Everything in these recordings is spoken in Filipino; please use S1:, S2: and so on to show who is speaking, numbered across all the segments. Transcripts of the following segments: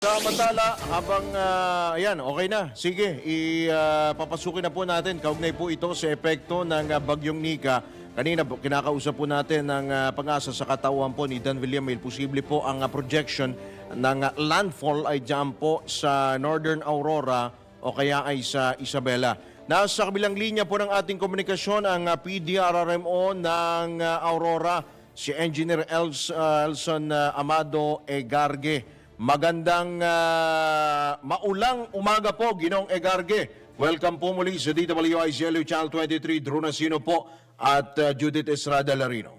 S1: Samantala, habang ayan, okay na. Sige, papasukin na po natin. Kaugnay po ito sa epekto ng bagyong Nika. Kanina kinakausap po natin ng pag-asa sa katawan po ni Dan Villamil. Posible po ang projection ng landfall ay dyan po sa Northern Aurora o kaya ay sa Isabela. Nasa kabilang linya po ng ating komunikasyon ang PDRRMO ng Aurora, si Engineer Elson Amado Egarge. Magandang maulang umaga po, Ginong Egarge. Welcome po muli sa DWICLU Channel 23, Drew Nasino po at Judith Estrada Larino.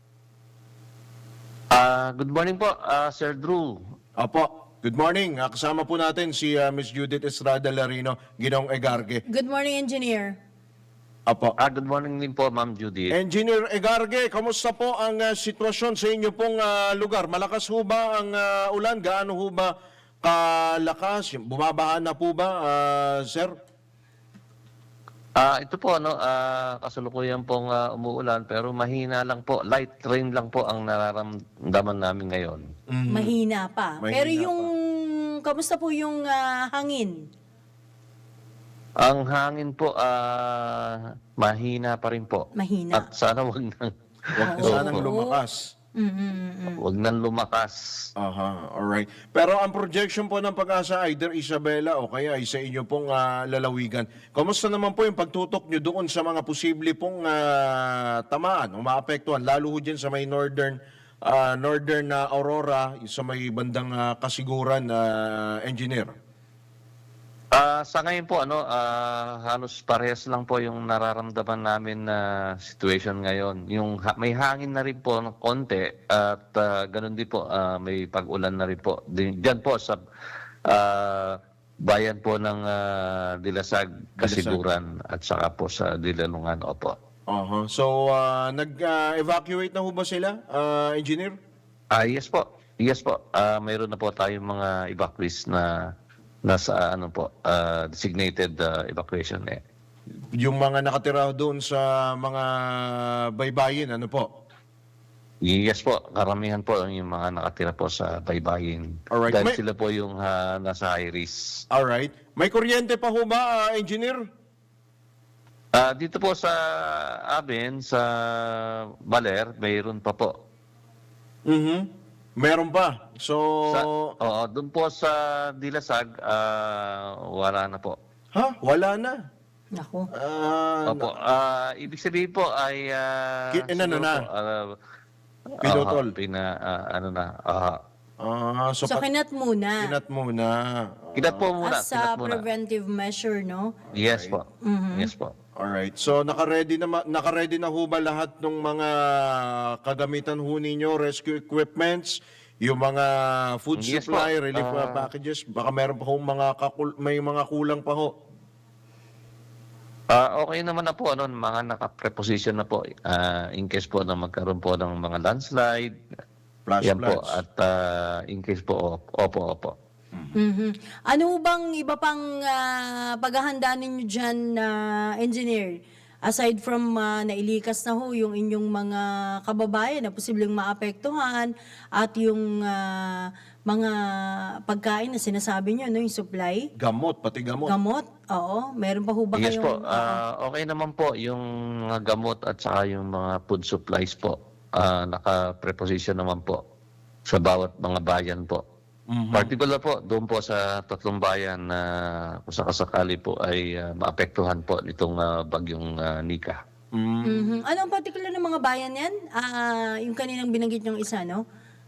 S2: Good morning po, Sir Drew.
S1: Apo, good morning. Kasama po natin si Miss Judith Estrada Larino, Ginong Egarge.
S3: Good morning, Engineer.
S1: Apo.
S2: Good morning din po, Ma'am Judy.
S1: Engineer Egarge, kamusta po ang sitwasyon sa inyo pong lugar? Malakas ho ba ang ulan? Gaano ho ba kalakas? Bumabaha na po ba, sir?
S2: Ito po, kasalukuyan pong umuulan pero mahina lang po. Light rain lang po ang nararamdaman namin ngayon.
S3: Mahina pa.
S1: Mahina
S3: Pero kamusta po yung hangin?
S2: Ang hangin po, mahina pa rin po.
S3: Mahina.
S2: At sana wag nang,
S1: Huwag na sanang lumakas.
S2: wag nang lumakas.
S1: Aha, alright. Pero ang projection po ng pag-asa, either Isabela o kaya ay sa inyo pong lalawigan. Kamusta naman po yung pagtutok nyo doon sa mga posible pong tamaan o maapektuhan, lalo ho dyan sa may northern Aurora, sa may bandang Kasiguran, engineer?
S2: Sa ngayon po, halos parehas lang po yung nararamdaman namin na situation ngayon. May hangin na rin po ng konti at ganun din po, may pag-ulan na rin po. Diyan po sa bayan po ng Dilasag, Kasiguran at saka po sa Dilalungan. Opo.
S1: So, nag-evacuate na ho ba sila, engineer?
S2: Yes po. Yes po. Mayroon na po tayong mga evacuees na nasa designated evacuation.
S1: Yung mga nakatira doon sa mga baybayin, ano po?
S2: Yes po, karamihan po yung mga nakatira po sa baybayin.
S1: Alright.
S2: Dahil sila po yung nasa high risk.
S1: Alright. May kuryente pa ho ba, engineer?
S2: Dito po sa amin, sa Baler, mayroon pa po.
S1: Meron pa. So,
S2: Doon po sa Dilasag, wala na po.
S1: wala na.
S3: Naku.
S2: Opo, ibig sabihin po ay
S1: Inano
S2: siguro
S1: na?
S2: po,
S1: Pinutol.
S3: So, kinat muna.
S1: Kinat muna.
S2: Kinat po muna.
S3: As a
S2: kinat muna.
S3: preventive measure, no?
S2: Yes po. Yes po.
S1: Alright. So, naka-ready na ho ba lahat ng mga kagamitan ho ninyo, rescue equipments, yung mga food
S2: Yes
S1: supply,
S2: po.
S1: relief packages? Baka meron pa ho may mga kulang pa ho.
S2: Okay naman na po, mga naka-preposition na po in case po na magkaroon po ng mga landslide.
S1: Flash
S2: Yan po.
S1: floods.
S2: At in case po, opo.
S3: Ano bang iba pang paghahanda ninyo dyan, Engineer? Aside from nailikas na ho yung inyong mga kababayan na posibleng maapektuhan at yung mga pagkain na sinasabi nyo, yung supply?
S1: Gamot, pati gamot.
S3: Gamot? Oo. Meron pa ho ba
S2: Yes
S3: kayong...
S2: po. Okay naman po yung mga gamot at saka yung mga food supplies po. Naka-preposition naman po sa bawat mga bayan po. Particular po, doon po sa tatlong bayan na kung sakasakali po ay maapektuhan po nitong bagyong Nika.
S3: Ano ang particular ng mga bayan yan? Yung kaninang binanggit yung isa, no?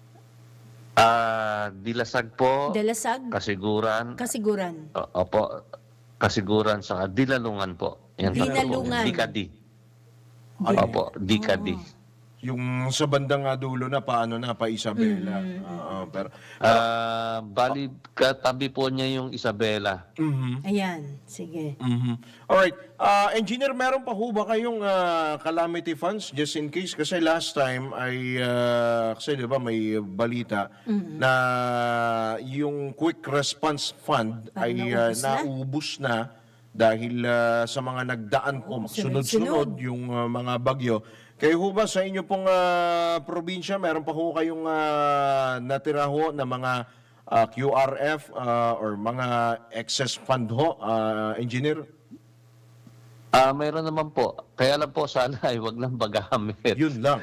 S2: Dilasag po,
S3: Dalasag,
S2: Kasiguran,
S3: Kasiguran.
S2: opo, Kasiguran sa Dilalungan po. Yan
S3: Dinalungan.
S2: Dikadi. Opo, Dikadi.
S1: Yung sa bandang dulo na, paano na, pa Isabela. Pero,
S2: Bali, katabi po niya yung Isabela.
S3: Ayan, sige.
S1: Alright. Engineer, meron pa ho ba kayong calamity funds just in case? Kasi last time ay, kasi di ba may balita na yung quick response fund ay naubos na dahil sa mga nagdaan po, sunod-sunod yung mga bagyo. Kayo ho ba sa inyo pong probinsya, meron pa ho kayong natira ho na mga QRF or mga excess fund ho, engineer?
S2: Mayroon naman po. Kaya lang po sana ay wag lang magamit.
S1: Yun lang.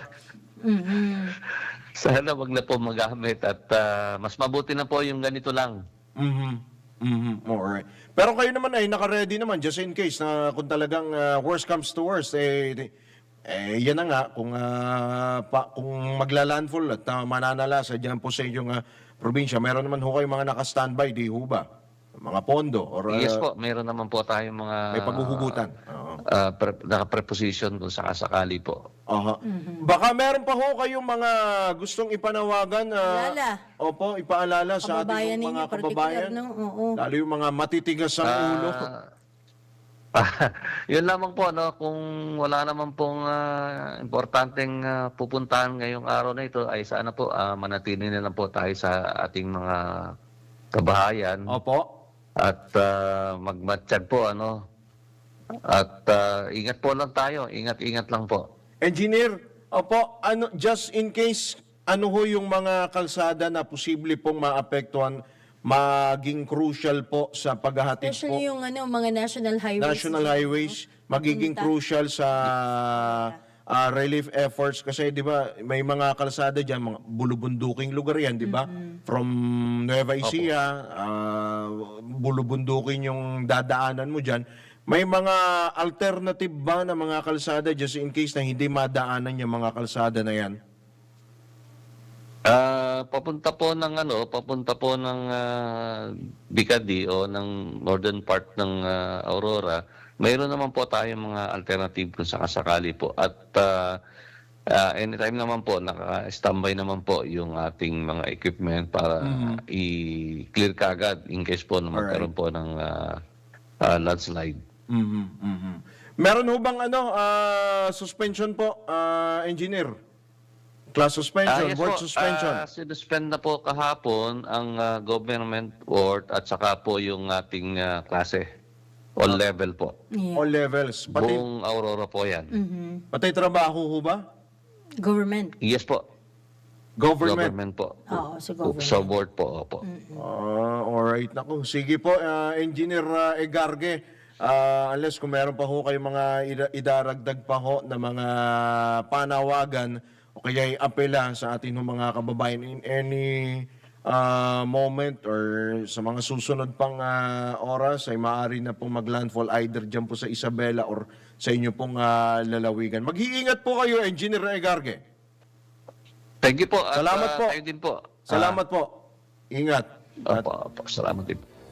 S2: Sana wag na po magamit at mas mabuti na po yung ganito lang.
S1: Alright. Pero kayo naman ay naka-ready naman just in case na kung talagang worst comes to worst, yan na nga, kung magla-landfall at mananalasa dyan po sa inyong probinsya, meron naman ho kayong mga naka-standby, di ho ba? Mga pondo or
S2: Yes po, mayroon naman po tayong mga
S1: may paghuhugutan.
S2: naka-preposition kung sakasakali po.
S1: Aha. Baka meron pa ho kayong mga gustong ipanawagan.
S3: Paalala.
S1: Opo, ipaalala sa
S3: Kababayan
S1: ating mga
S3: ninyo,
S1: kababayan.
S3: particular, no? Oo.
S1: Lalo yung mga matitigas ang ulo.
S2: Yun lamang po, no? Kung wala naman pong importanteng pupuntahan ngayong araw na ito, ay sana po manatili na lang po tayo sa ating mga kabahayan.
S1: Opo.
S2: At magmatsyag po, ano? At ingat po lang tayo. Ingat-ingat lang po.
S1: Engineer, opo, just in case, ano ho yung mga kalsada na posible pong maapektuhan, maging crucial po sa paghahatid po,
S3: Especially yung mga national highways.
S1: national highways, magiging crucial sa relief efforts kasi 'di ba may mga kalsada diyan, mga bulubunduking lugar 'yan, 'di ba? From Nueva Ecija, bulubundukin yung dadaanan mo diyan. May mga alternative ba na mga kalsada just in case na hindi madaanan yung mga kalsada na 'yan?
S2: Papunta po ng Bicadi o ng northern part ng Aurora. Mayroon naman po tayong mga alternative kung sakasakali po. At anytime naman po, naka-standby naman po yung ating mga equipment para i-clear kaagad in case po na magkaroon po ng landslide.
S1: Meron ho bang suspension po, engineer? Class suspension,
S2: Yes
S1: work
S2: po,
S1: suspension.
S2: sinuspend na po kahapon ang government board at saka po yung ating klase. All level po.
S3: Yeah.
S1: All levels. Pati,
S2: Buong Aurora po yan.
S1: pati trabaho ho ba?
S3: Government.
S2: Yes po.
S1: Government.
S2: Government po.
S3: Oo, sa government.
S2: Sa board po, opo.
S1: Alright. Naku, sige po, Engineer Egarge. Unless kung meron pa ho kayong mga idaragdag pa ho na mga panawagan o kaya apela sa ating mga kababayan in any moment or sa mga susunod pang oras ay maaari na pong maglandfall either dyan po sa Isabela or sa inyo pong lalawigan. Mag-iingat po kayo, Engineer Egarge.
S2: Thank you po. At,
S1: Salamat po.
S2: Kayo din po.
S1: Salamat po. Ingat.
S2: Opo, opo. Salamat din.